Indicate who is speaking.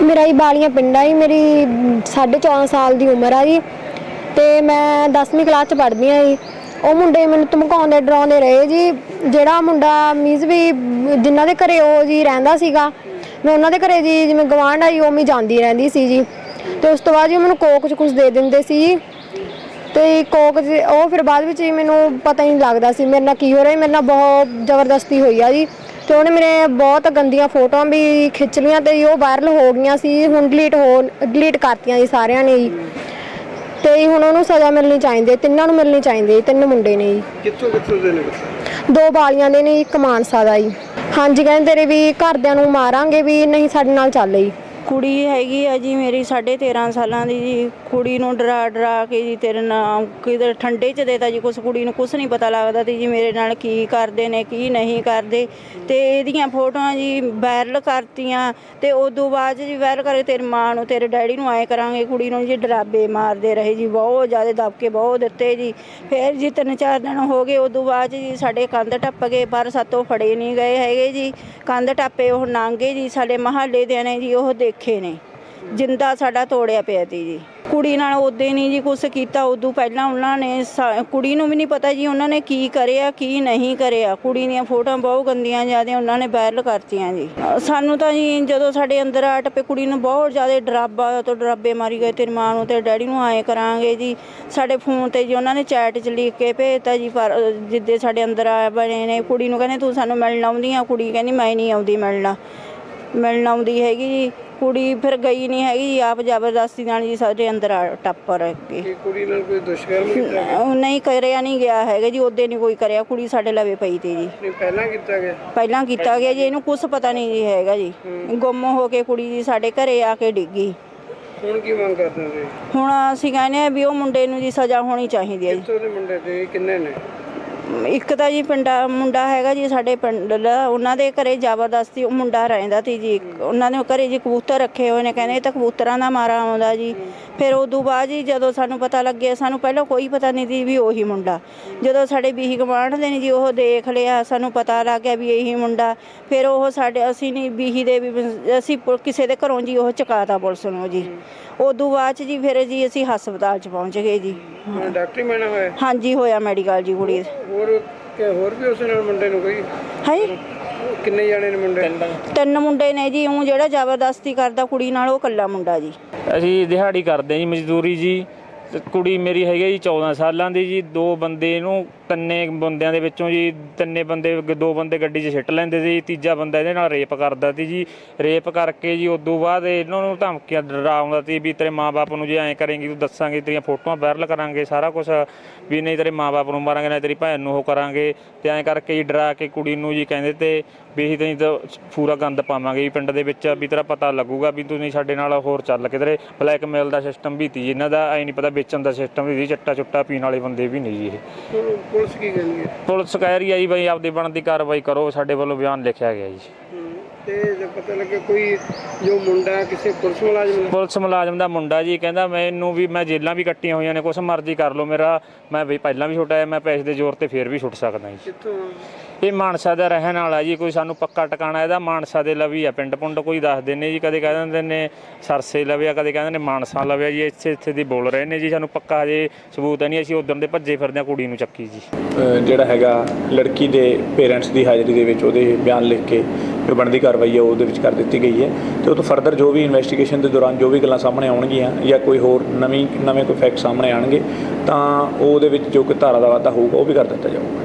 Speaker 1: मेरा ही बालियां पिंड है जी। मेरी 14.5 साल की उम्र है जी। तो मैं 10वीं क्लास च पढ़दी हाँ जी। ਉਹ ਮੁੰਡੇ ਮੈਨੂੰ ਧਮਕਾਉਂਦੇ ਡਰਾਉਂਦੇ ਰਹੇ ਜੀ। ਜਿਹੜਾ ਮੁੰਡਾ ਮੀਨਸ ਵੀ ਜਿਨ੍ਹਾਂ ਦੇ ਘਰੇ ਉਹ ਜੀ ਰਹਿੰਦਾ ਸੀਗਾ, ਮੈਂ ਉਹਨਾਂ ਦੇ ਘਰੇ ਜੀ ਜਿਵੇਂ ਗਵਾਂਢ ਆਈ ਉਵੇਂ ਜਾਂਦੀ ਰਹਿੰਦੀ ਸੀ ਜੀ। ਤੇ ਉਸ ਤੋਂ ਬਾਅਦ ਜੀ ਮੈਨੂੰ ਕੋਕ 'ਚ ਕੁਝ ਦੇ ਦਿੰਦੇ ਸੀ ਜੀ। ਤੇ ਕੋਕ ਉਹ ਫਿਰ ਬਾਅਦ ਵਿੱਚ ਜੀ ਮੈਨੂੰ ਪਤਾ ਹੀ ਨਹੀਂ ਲੱਗਦਾ ਸੀ ਮੇਰੇ ਨਾਲ ਕੀ ਹੋ ਰਿਹਾ। ਮੇਰੇ ਨਾਲ ਬਹੁਤ ਜ਼ਬਰਦਸਤੀ ਹੋਈ ਆ ਜੀ। ਤੇ ਉਹਨੇ ਮੇਰੇ ਬਹੁਤ ਗੰਦੀਆਂ ਫੋਟੋਆਂ ਵੀ ਖਿੱਚ ਲਈਆਂ ਤੇ ਉਹ ਵਾਇਰਲ ਹੋ ਗਈਆਂ ਸੀ। ਹੁਣ ਡਿਲੀਟ ਕਰਤੀਆਂ ਜੀ ਸਾਰਿਆਂ ਨੇ ਜੀ। ਤੇ ਹੁਣ ਉਹਨੂੰ ਸਜ਼ਾ ਮਿਲਣੀ ਚਾਹੀਦੀ ਹੈ। ਤਿੰਨਾਂ ਨੂੰ ਮਿਲਣੀ ਚਾਹੀਦੀ ਹੈ। 3 ਮੁੰਡੇ ਨੇ ਜੀ।
Speaker 2: ਕਿੱਥੋਂ ਦੇ ਨੇ?
Speaker 1: 2 ਬਾਲੀਆਂ ਦੇ ਨੇ, 1 ਮਾਨਸਾ ਦਾ ਜੀ। ਹਾਂਜੀ, ਕਹਿੰਦੇ ਤੇਰੇ ਵੀ ਘਰਦਿਆਂ ਨੂੰ ਮਾਰਾਂਗੇ ਵੀ ਨਹੀਂ ਸਾਡੇ ਨਾਲ ਚੱਲ ਜੀ।
Speaker 3: ਕੁੜੀ ਹੈਗੀ ਆ ਜੀ ਮੇਰੀ 13.5 ਸਾਲਾਂ ਦੀ ਜੀ। ਕੁੜੀ ਨੂੰ ਡਰਾ ਕੇ ਜੀ ਤੇਰੇ ਨਾਲ ਕਿਤੇ ਠੰਡੇ 'ਚ ਦੇਤਾ ਜੀ। ਕੁਛ ਕੁੜੀ ਨੂੰ ਕੁਛ ਨਹੀਂ ਪਤਾ ਲੱਗਦਾ ਤੇ ਜੀ ਮੇਰੇ ਨਾਲ ਕੀ ਕਰਦੇ ਨੇ ਕੀ ਨਹੀਂ ਕਰਦੇ। ਤੇ ਇਹਦੀਆਂ ਫੋਟੋਆਂ ਜੀ ਵਾਇਰਲ ਕਰਤੀਆਂ ਤੇ ਉਦੋਂ ਬਾਅਦ ਜੀ ਵਾਇਰਲ ਕਰੇ ਤੇਰੀ ਮਾਂ ਨੂੰ ਤੇਰੇ ਡੈਡੀ ਨੂੰ ਆਏ ਕਰਾਂਗੇ। ਕੁੜੀ ਨੂੰ ਜੀ ਡਰਾਬੇ ਮਾਰਦੇ ਰਹੇ ਜੀ, ਬਹੁਤ ਜ਼ਿਆਦਾ ਦਬਕੇ ਬਹੁਤ ਦਿੱਤੇ ਜੀ। ਫਿਰ ਜੀ 3-4 ਦਿਨ ਹੋ ਗਏ। ਉਦੋਂ ਬਾਅਦ ਜੀ ਸਾਡੇ ਕੰਧ ਟੱਪ ਗਏ ਪਰ ਸਾਤੋਂ ਫੜੇ ਨਹੀਂ ਗਏ ਹੈਗੇ ਜੀ। ਕੰਧ ਟੱਪੇ ਉਹ ਲੰਘੇ ਜੀ। ਸਾਡੇ ਮਹੱਲੇ ਦੇ ਨੇ ਜੀ ਉਹ ਦੇਖੇ ਨੇ ਜਿੰਦਾ ਸਾਡਾ ਤੋੜਿਆ ਪਿਆ ਤੀ ਜੀ। ਕੁੜੀ ਨਾਲ ਉਦੋਂ ਨਹੀਂ ਜੀ ਕੁਛ ਕੀਤਾ। ਉਦੋਂ ਪਹਿਲਾਂ ਉਹਨਾਂ ਨੇ ਕੁੜੀ ਨੂੰ ਵੀ ਨਹੀਂ ਪਤਾ ਜੀ ਉਹਨਾਂ ਨੇ ਕੀ ਕਰਿਆ ਕੀ ਨਹੀਂ ਕਰਿਆ। ਕੁੜੀ ਦੀਆਂ ਫੋਟੋਆਂ ਬਹੁਤ ਗੰਦੀਆਂ ਜ਼ਿਆਦਾ ਉਹਨਾਂ ਨੇ ਵਾਇਰਲ ਕਰਤੀਆਂ ਜੀ। ਸਾਨੂੰ ਤਾਂ ਜੀ ਜਦੋਂ ਸਾਡੇ ਅੰਦਰ ਆ ਟੱਪੇ ਕੁੜੀ ਨੂੰ ਬਹੁਤ ਜ਼ਿਆਦਾ ਡਰਾਬੇ ਮਾਰੀ ਗਏ। ਤੇਰੀ ਮਾਂ ਨੂੰ ਤੇ ਡੈਡੀ ਨੂੰ ਆਏ ਕਰਾਂਗੇ ਜੀ। ਸਾਡੇ ਫੋਨ 'ਤੇ ਜੀ ਉਹਨਾਂ ਨੇ ਚੈਟ 'ਚ ਲਿਖ ਕੇ ਭੇਜਤਾ ਜੀ। ਪਰ ਜਿੱਦੇ ਸਾਡੇ ਅੰਦਰ ਆ ਬਣੇ ਨੇ ਕੁੜੀ ਨੂੰ ਕਹਿੰਦੇ ਤੂੰ ਸਾਨੂੰ ਮਿਲਣ ਆਉਂਦੀ ਆ। ਕੁੜੀ ਕਹਿੰਦੀ ਮੈਂ ਨਹੀਂ ਆਉਂਦੀ ਮਿਲਣ ਆਉਂਦੀ ਹੈਗੀ ਜੀ। ਕੁੜੀ ਫਿਰ ਗਈ ਨਹੀਂ ਹੈਗੀ ਜੀ। ਆਪ ਜ਼ਬਰਦਸਤੀ ਨਾਲ ਜੀ ਸਾਡੇ ਅੰਦਰ ਟੱਪ ਕੇ।
Speaker 2: ਕੁੜੀ ਨਾਲ ਕੋਈ ਦੁਸ਼ਕਰਮ ਕੀਤਾ ਗਿਆ?
Speaker 3: ਨਹੀਂ ਕਰਿਆ ਨਹੀਂ ਗਿਆ ਹੈਗਾ ਜੀ। ਉਹਦੇ ਨਹੀਂ ਕੋਈ ਕਰਿਆ। ਕੁੜੀ ਸਾਡੇ ਲਵੇ ਪਈ ਤੀ ਜੀ।
Speaker 2: ਪਹਿਲਾਂ ਕੀਤਾ ਗਿਆ
Speaker 3: ਜੀ। ਇਹਨੂੰ ਕੁਛ ਪਤਾ ਨਹੀਂ ਜੀ ਹੈਗਾ ਜੀ। ਗੁੰਮ ਹੋ ਕੇ ਕੁੜੀ ਜੀ ਸਾਡੇ ਘਰੇ ਆ ਕੇ ਡਿੱਗੀ।
Speaker 2: ਹੁਣ ਕੀ ਮੰਗ ਕਰਦੇ ਹੋ?
Speaker 3: ਹੁਣ ਅਸੀਂ ਕਹਿੰਦੇ ਆ ਵੀ ਉਹ ਮੁੰਡੇ ਨੂੰ ਜੀ ਸਜ਼ਾ ਹੋਣੀ ਚਾਹੀਦੀ ਹੈ ਜੀ।
Speaker 2: ਕਿੱਥੋਂ ਦੇ ਮੁੰਡੇ ਤੇ ਕਿੰਨੇ ਨੇ?
Speaker 3: ਇੱਕ ਤਾਂ ਜੀ ਮੁੰਡਾ ਹੈਗਾ ਜੀ ਸਾਡੇ ਪਿੰਡ ਦਾ। ਉਹਨਾਂ ਦੇ ਘਰੇ ਜ਼ਬਰਦਸਤੀ ਉਹ ਮੁੰਡਾ ਰਹਿੰਦਾ ਤੀ ਜੀ। ਉਹਨਾਂ ਨੇ ਘਰੇ ਜੀ ਕਬੂਤਰ ਰੱਖੇ ਹੋਏ ਨੇ। ਕਹਿੰਦੇ ਇਹ ਤਾਂ ਕਬੂਤਰਾਂ ਦਾ ਮਾਰਾ ਆਉਂਦਾ ਜੀ। ਫਿਰ ਉਦੋਂ ਬਾਅਦ ਜੀ ਜਦੋਂ ਸਾਨੂੰ ਪਤਾ ਲੱਗਿਆ, ਸਾਨੂੰ ਪਹਿਲਾਂ ਕੋਈ ਪਤਾ ਨਹੀਂ ਸੀ ਵੀ ਉਹੀ ਮੁੰਡਾ। ਜਦੋਂ ਸਾਡੇ ਬੀਹੀ ਗਵਾਂਢ ਦੇ ਨੇ ਜੀ ਉਹ ਦੇਖ ਲਿਆ, ਸਾਨੂੰ ਪਤਾ ਲੱਗ ਗਿਆ ਵੀ ਇਹੀ ਮੁੰਡਾ। ਫਿਰ ਉਹ ਅਸੀਂ ਨਹੀਂ ਬੀਹੀ ਦੇ ਵੀ ਅਸੀਂ ਕਿਸੇ ਦੇ ਘਰੋਂ ਜੀ ਉਹ ਚੁਕਾਤਾ ਪੁਲਿਸ ਨੂੰ ਜੀ। ਉਦੋਂ ਬਾਅਦ 'ਚ ਜੀ ਫਿਰ ਜੀ ਅਸੀਂ ਹਸਪਤਾਲ 'ਚ ਪਹੁੰਚ ਗਏ ਜੀ।
Speaker 2: ਡਾਕਟਰੀ ਮੈਨਾਂ ਹੋਇਆ? ਹਾਂਜੀ
Speaker 3: ਹੋਇਆ ਮੈਡੀਕਲ ਜੀ ਕੁੜੀ।
Speaker 2: ਹੋਰ ਵੀ ਉਸ ਨਾਲ ਮੁੰਡੇ ਨੂੰ ਕੋਈ
Speaker 3: ਹੈ?
Speaker 2: ਕਿੰਨੇ ਜਾਣੇ ਨੇ ਮੁੰਡੇ?
Speaker 3: 3 ਮੁੰਡੇ ਨੇ ਜੀ। ਉਹ ਜਿਹੜਾ ਜ਼ਬਰਦਸਤੀ ਕਰਦਾ ਕੁੜੀ ਨਾਲ ਉਹ ਇਕੱਲਾ ਮੁੰਡਾ ਜੀ।
Speaker 4: ਅਸੀਂ ਦਿਹਾੜੀ ਕਰਦੇ ਜੀ, ਮਜ਼ਦੂਰੀ ਜੀ। ਕੁੜੀ ਮੇਰੀ ਹੈਗੀ ਜੀ 14 ਸਾਲਾਂ ਦੀ ਜੀ। 2 ਬੰਦੇ ਇਹਨੂੰ 3 ਬੰਦਿਆਂ ਦੇ ਵਿੱਚੋਂ ਜੀ 3 ਬੰਦੇ 2 ਬੰਦੇ ਗੱਡੀ 'ਚ ਸਿੱਟ ਲੈਂਦੇ ਸੀ। ਤੀਜਾ ਬੰਦਾ ਇਹਦੇ ਨਾਲ ਰੇਪ ਕਰਦਾ ਸੀ ਜੀ। ਰੇਪ ਕਰਕੇ ਜੀ ਉਦੋਂ ਬਾਅਦ ਇਹਨਾਂ ਨੂੰ ਧਮਕੀਆਂ ਡਰਾਉਂਦਾ ਸੀ ਵੀ ਤੇਰੇ ਮਾਂ-ਬਾਪ ਨੂੰ ਜੇ ਐਂ ਕਰੇਂਗੀ ਤੂੰ ਦੱਸਾਂਗੇ, ਤੇਰੀਆਂ ਫੋਟੋਆਂ ਵਾਇਰਲ ਕਰਾਂਗੇ, ਸਾਰਾ ਕੁਛ ਵੀ ਨਹੀਂ ਤੇਰੇ ਮਾਂ-ਬਾਪ ਨੂੰ ਮਾਰਾਂਗੇ ਨਾ ਤੇਰੀ ਭੈਣ ਨੂੰ ਉਹ ਕਰਾਂਗੇ। ਤੇ ਐਂ ਕਰਕੇ ਜੀ ਡਰਾ ਕੇ ਕੁੜੀ ਨੂੰ ਜੀ ਕਹਿੰਦੇ ਤੇ ਵੀ ਅਸੀਂ ਤਾਂ ਪੂਰਾ ਗੰਦ ਪਾਵਾਂਗੇ ਜੀ ਪਿੰਡ ਦੇ ਵਿੱਚ, ਵੀ ਤੇਰਾ ਪਤਾ ਲੱਗੂਗਾ ਵੀ ਤੂੰ ਨਹੀਂ ਸਾਡੇ ਨਾਲ ਹੋਰ ਚੱਲ ਕਿਧਰੇ। ਬਲੈਕਮੇਲ ਦਾ ਸਿਸਟਮ ਵੀ ਤੀ ਜੀ ਇਹਨਾਂ ਦਾ। ਐਂ ਨਹੀਂ ਪਤਾ ਵੇਚਣ ਦਾ ਸਿਸਟਮ ਵੀ ਸੀ। ਚੱਟਾ ਚੁੱਟਾ ਪੀਣ ਵਾਲੇ ਬੰਦੇ ਵੀ ਨਹੀਂ ਜੀ ਇਹ।
Speaker 2: ਪੁਲਿਸ ਕੀ ਕਹਿੰਦੀ ਹੈ?
Speaker 4: ਪੁਲਿਸ ਕਹਿ ਰਹੀ ਹੈ ਜੀ ਬਈ ਆਪਦੀ ਬਣਦੀ ਕਾਰਵਾਈ ਕਰੋ। ਸਾਡੇ ਵੱਲੋਂ ਬਿਆਨ ਲਿਖਿਆ ਗਿਆ ਜੀ।
Speaker 2: ਤੇ ਜੇ ਪਤਾ ਲੱਗੇ ਕੋਈ ਜੋ ਮੁੰਡਾ ਕਿਸੇ
Speaker 4: ਪੁਲਿਸ ਮੁਲਾਜ਼ਮ ਦਾ ਮੁੰਡਾ ਜੀ ਕਹਿੰਦਾ ਮੈਨੂੰ ਵੀ ਮੈਂ ਜੇਲਾਂ ਵੀ ਕੱਟੀਆਂ ਹੋਈਆਂ ਨੇ, ਕੁਛ ਮਰਜ਼ੀ ਕਰ ਲਓ ਮੇਰਾ, ਮੈਂ ਵੀ ਪਹਿਲਾਂ ਵੀ ਛੁੱਟਿਆ, ਮੈਂ ਪੈਸੇ ਦੇ ਜ਼ੋਰ ਤੇ ਫੇਰ ਵੀ ਛੁੱਟ ਸਕਦਾ ਜੀ। ਇਹ ਮਾਨਸਾ ਦਾ ਰਹਿਣ ਵਾਲਾ ਜੀ। ਕੋਈ ਸਾਨੂੰ ਪੱਕਾ ਟਿਕਾਣਾ ਇਹਦਾ ਮਾਨਸਾ ਦੇ ਲਵੀ ਆ। ਪਿੰਡ ਪੁੰਡ ਕੋਈ ਦੱਸਦੇ ਨੇ ਜੀ। ਕਦੇ ਕਹਿ ਦਿੰਦੇ ਨੇ ਸਰਸੇ ਲਵੇ ਆ, ਕਦੇ ਕਹਿੰਦੇ ਨੇ ਮਾਨਸਾ ਲਵੇ ਆ ਜੀ। ਇੱਥੇ ਦੀ ਬੋਲ ਰਹੇ ਨੇ ਜੀ। ਸਾਨੂੰ ਪੱਕਾ ਹਜੇ ਸਬੂਤ ਨਹੀਂ। ਅਸੀਂ ਉਦੋਂ ਦੇ ਭੱਜੇ ਫਿਰਦੇ ਹਾਂ ਕੁੜੀ ਨੂੰ ਚੱਕੀ ਜੀ।
Speaker 5: ਜਿਹੜਾ ਹੈਗਾ ਲੜਕੀ ਦੇ ਪੇਰੈਂਟਸ ਦੀ ਹਾਜ਼ਰੀ ਦੇ ਵਿੱਚ ਉਹਦੇ ਬਿਆਨ ਲਿਖ ਕੇ ਜੋ ਬਣਦੀ ਕਾਰਵਾਈ ਹੈ ਉਹਦੇ ਵਿੱਚ ਕਰ ਦਿੱਤੀ ਗਈ ਹੈ। ਤੇ ਉਹ ਤੋਂ ਫਰਦਰ ਜੋ ਵੀ ਇਨਵੈਸਟੀਗੇਸ਼ਨ ਦੇ ਦੌਰਾਨ ਜੋ ਵੀ ਗੱਲਾਂ ਸਾਹਮਣੇ ਆਉਣਗੀਆਂ ਜਾਂ ਕੋਈ ਹੋਰ ਨਵੇਂ ਕੋਈ ਫੈਕਟ ਸਾਹਮਣੇ ਆਉਣਗੇ ਤਾਂ ਉਹਦੇ ਵਿੱਚ ਜੋ ਕੋਈ ਧਾਰਾ ਦਾ ਵਾਧਾ ਹੋਊਗਾ ਉਹ ਵੀ ਕਰ ਦਿੱਤਾ ਜਾਊਗਾ।